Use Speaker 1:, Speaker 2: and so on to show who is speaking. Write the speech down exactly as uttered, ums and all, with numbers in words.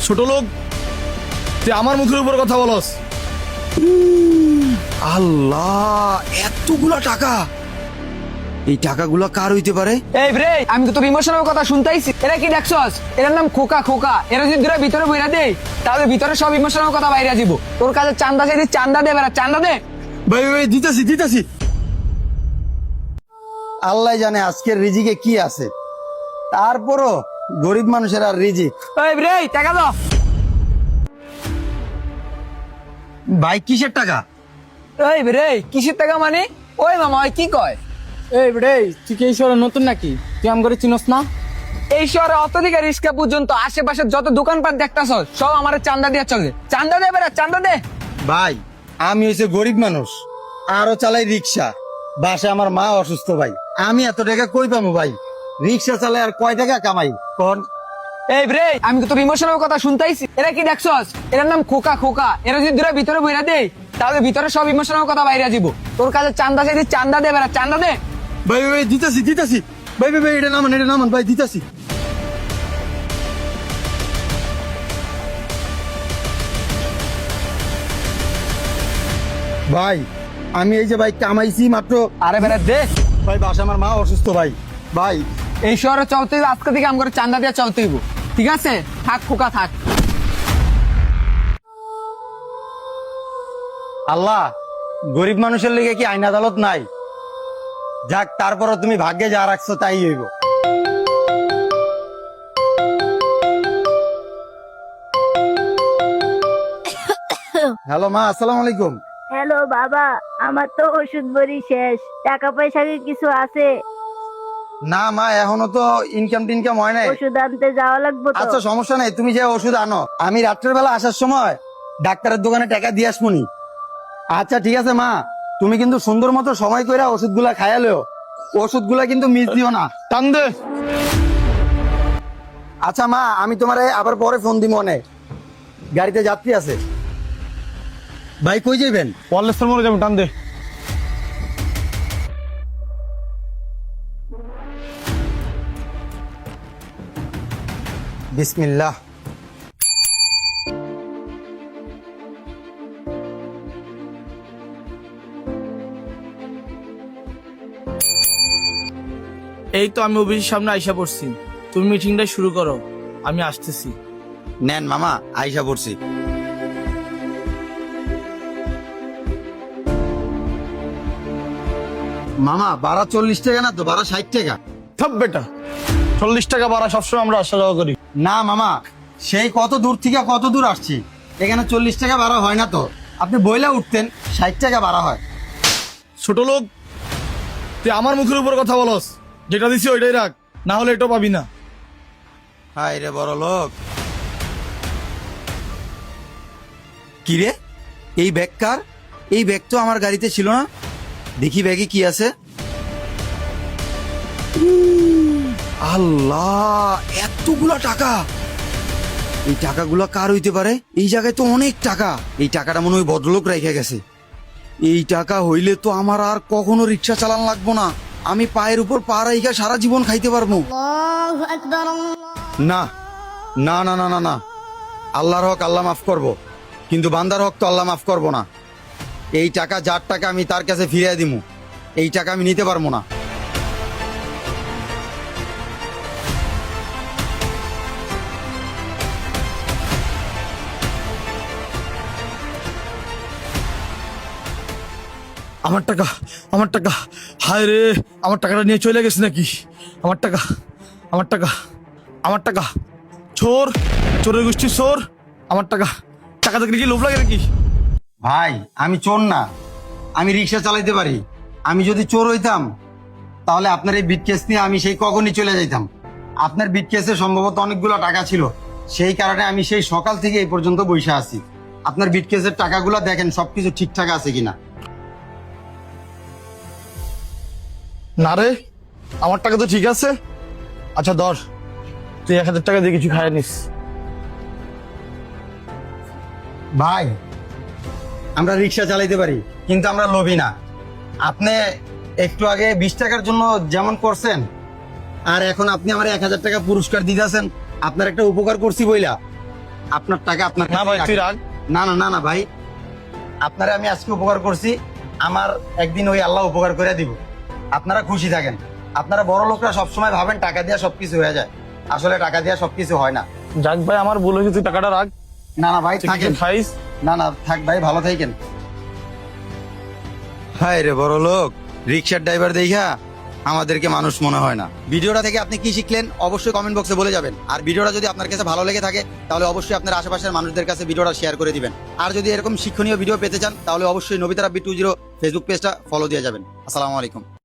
Speaker 1: ছোট লোক, তুই আমার মুখের উপর কথা বলস।
Speaker 2: আল্লাহ, এতগুলা টাকা! এই টাকাগুলা কার হইতে পারে?
Speaker 3: এই রে, আমি তো তোর ইমোশনাল কথা শুনতেইছি। এরা কি দেখছস? এর নাম খোকা। খোকা এরা যদি তোরা ভিতরে বইরা দেই, তাহলে ভিতরে সব ইমোশনাল কথা বাইরে যাব। তোর কাছে চান্দা চাইছি, চান্দা দে বেটা, চান্দা দে।
Speaker 2: ভাই ভাই দিতেছি দিতেছি। আল্লাহ জানে আজকের রিজিকে কি আছে, তারপরও গরিব মানুষের আর রিজিক।
Speaker 3: এই রে, টাকা দাও।
Speaker 2: ভাই কিসের টাকা?
Speaker 3: এই রে, কিসের টাকা মানে? ওই মামা, ওই কি কয়?
Speaker 4: এই বেড়ে, তুই কি এই শহরে নতুন নাকি? তুই আম করে চিনস না?
Speaker 3: এই শহরে অত দিকে রিক্সা পর্যন্ত আশেপাশে যত দোকানপাট দেখতাছ সব আমার চান্দা দিয়ে চলে। চান্দা দে বেটা, চান্দা দে।
Speaker 2: ভাই আমি হইছে গরিব মানুষ, আরো চালাই রিক্সা। বাসে আমার মা অসুস্থ ভাই, আমি এত টাকা কই পাবো ভাই? রিক্সা চালাই আর কয় টাকা কামাই কোন?
Speaker 3: এই রে, আমি তো তোর ইমোশনাল কথা শুনতেইছি। এরা কি দেখছস? এর নাম খোকা। খোকা এরা যদি তোরা ভিতরে বইরা দেই, তাহলে ভিতরে সব ইমোশনাল কথা বাইরে যাব। তোর কাছে চান্দা চাইছি, চান্দা দে বেটা, চান্দা দে।
Speaker 2: ভাই ভাই দিতেছি দিতেছি। ভাই ভাই ভাই এটা নামান, এটা নামান ভাই, দিতেছি। ভাই আমি এই যে ভাই কামাইছি মাত্র।
Speaker 3: আরে বেটা দে।
Speaker 2: ভাই বাসা আমার মা অসুস্থ ভাই। ভাই
Speaker 3: এই শহরে চলতে হইবে, আজকে থেকে আমার চান্দা দিয়ে চলতে হইব। ঠিক আছে, থাক খোকা থাক।
Speaker 2: আল্লাহ, গরিব মানুষের লিগে কি আইন আদালত নাই? যাক, তারপরও তুমি ভাগ্যে যা রাখছো তাই হইব। হ্যালো মা, আসসালামু আলাইকুম।
Speaker 5: হ্যালো বাবা, আমার তো ওষুধ বড়ি শেষ। টাকা পয়সা কি কিছু আছে?
Speaker 2: না মা, এখনো তো ইনকাম টিনকাম হয় নাই।
Speaker 5: ওষুধ আনতে যাওয়া লাগবে তো।
Speaker 2: আচ্ছা সমস্যা নাই, তুমি যে ওষুধ আনো, আমি রাত্রের বেলা আসার সময় ডাক্তারের দোকানে টাকা দিয়ে আসবনি। আচ্ছা ঠিক আছে মা, তুমি কিন্তু সুন্দর মতো সময় কইরা ওষুধগুলা খায়ালেও, ওষুধগুলা কিন্তু মিস দিও না।
Speaker 1: টান দে।
Speaker 2: আচ্ছা মা, আমি তোমারে আবার পরে ফোন দিব। অনেক গাড়িতে যাত্রী আছে। ভাই কই যাবেন?
Speaker 1: ওয়ারলেস মরে যাবে, টান দে।
Speaker 2: বিসমিল্লাহ।
Speaker 6: এই তো আমি অফিসের সামনে আইসা পড়ছি, তুমি মিটিংটা শুরু করো, আমি আসতেছি।
Speaker 2: নেন মামা, আইসা পড়ছি। মামা ভাড়া চল্লিশ টাকা না তো, ভাড়া ষাট টাকা।
Speaker 1: থাপ বেটা, চল্লিশ টাকা ভাড়া সবসময় আমরা আসা যাওয়া করি।
Speaker 2: না মামা, সেই কত দূর থেকে কত দূর আসছি, এখানে চল্লিশ টাকা ভাড়া হয় না তো। আপনি বইলা উঠতেন ষাট টাকা ভাড়া হয়।
Speaker 1: ছোট লোক, তুই আমার মুখের উপর কথা বলস। যেটা দিছি ওইটাই রাখ, না হলে এটা পাবি না।
Speaker 2: হাই রে বড় লোক। কি রে, এই ব্যাগ কার? এই ব্যাগ তো আমার গাড়িতে ছিল না। দেখি ব্যাগে কি আছে। আল্লাহ, এতগুলা টাকা! এই টাকাগুলা কার হইতে পারে? এই জায়গায় তো অনেক টাকা। এই টাকাটা মনে হয় ভদ্রলোক রেখে গেছে। এই টাকা হইলে তো আমার আর কখনো রিক্সা চালান লাগবো না। আমি পায়ের উপর পা রাইখা সারা জীবন খাইতে পারবো। না না না না না না, আল্লাহর হক আল্লাহ মাফ করব, কিন্তু বান্দার হক তো আল্লাহ মাফ করব না। এই টাকা যার টাকা, আমি তার কাছে ফিরিয়ে দিমু। এই টাকা আমি নিতে পারবো না।
Speaker 1: আমার টাকা, আমার টাকা, হায় রে, আমার টাকাটা নিয়ে চলে গেছে নাকি? আমার টাকা, আমার টাকা, আমার টাকা। চোর, চোরের গোষ্ঠী চোর। আমার টাকা, টাকা দেখলে কি লোভ লাগে নাকি?
Speaker 2: ভাই আমি চোর না, আমি রিক্সা চালাইতে পারি। আমি যদি চোর হইতাম, তাহলে আপনার এই বিটকেস নিয়ে আমি সেই কখনই চলে যাইতাম। আপনার বিটকেসে সম্ভবত অনেকগুলো টাকা ছিল, সেই কারণে আমি সেই সকাল থেকে এই পর্যন্ত বসে আছি। আপনার বিটকেসের টাকাগুলো দেখেন সবকিছু ঠিকঠাক আছে কিনা।
Speaker 1: না রে, আমার টাকা তো ঠিক আছে। আচ্ছা ধর, তুই এক হাজার টাকা দিয়ে কিছু খাইয়ে নিস।
Speaker 2: ভাই আমরা রিক্সা চালাইতে পারি, কিন্তু আমরা লোভী না। আপনি একটু আগে বিশ টাকার জন্য যেমন করছেন, আর এখন আপনি আমার এক হাজার টাকা পুরস্কার দিতেছেন, আপনার একটা উপকার করছি বইলা। আপনার টাকা আপনার
Speaker 1: না ভাই,
Speaker 2: কাছেই
Speaker 1: তুই
Speaker 2: রাখেন।
Speaker 1: রাখ।
Speaker 2: না না না না ভাই, আপনারা আমি আজকে উপকার করছি, আমার একদিন ওই আল্লাহ উপকার করে দিব। আপনারা খুশি থাকেন। আপনারা বড় লোকরা সবসময় ভাবেন টাকা দিয়ে সবকিছু হয়ে যায়, আসলে টাকা দিয়ে সবকিছু হয় না।
Speaker 1: যাক ভাই, আমার ভুল হয়েছে, তুই টাকাটা রাখ।
Speaker 2: না না ভাই
Speaker 1: তুই
Speaker 2: থাকেন,
Speaker 1: কিছু খাইস।
Speaker 2: না না থাক ভাই, ভালো থাকেন। হায় রে বড় লোক, রিক্সার ড্রাইভার দেখা আমাদেরকে মানুষ মনে হয় না। ভিডিওটা থেকে আপনি কি শিখলেন অবশ্যই কমেন্ট বক্সে বলে যাবেন। আর ভিডিওটা যদি আপনার কাছে ভালো লেগে থাকে তাহলে অবশ্যই আপনার আশেপাশের মানুষদের কাছে ভিডিওটা শেয়ার করে দিবেন। আর যদি এরকম শিক্ষণীয় ভিডিও পেতে চান তাহলে অবশ্যই Nabita Rabbi two zero Facebook পেজটা ফলো দিয়ে যাবেন। আসসালামু আলাইকুম।